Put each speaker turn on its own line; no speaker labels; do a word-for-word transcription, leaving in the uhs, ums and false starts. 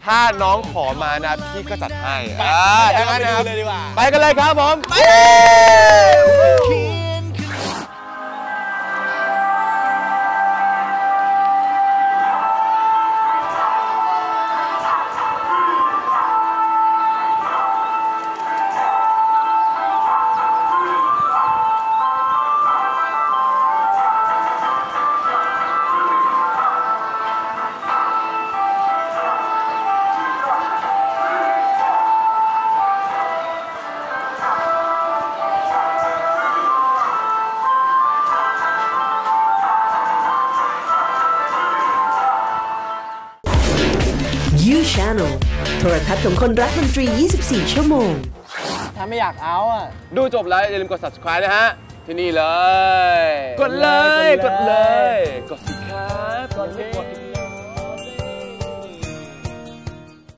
ถ้าน้องขอมานะพี่ก็จัดให้อ่าดังนั้นนะครับ
เลยดีกว่า
ไปกันเลยครับผมไป
ยู Channel โทรทัศน์ของคนรักดนตรี ยี่สิบสี่ ชั่วโมง
ถ้าไม่อยากเอาอ่ะ
ดูจบแล้วอย่าลืมกด ซับสไครบ์ นะฮะที่นี่เลย
กดเลย
กดเลยกด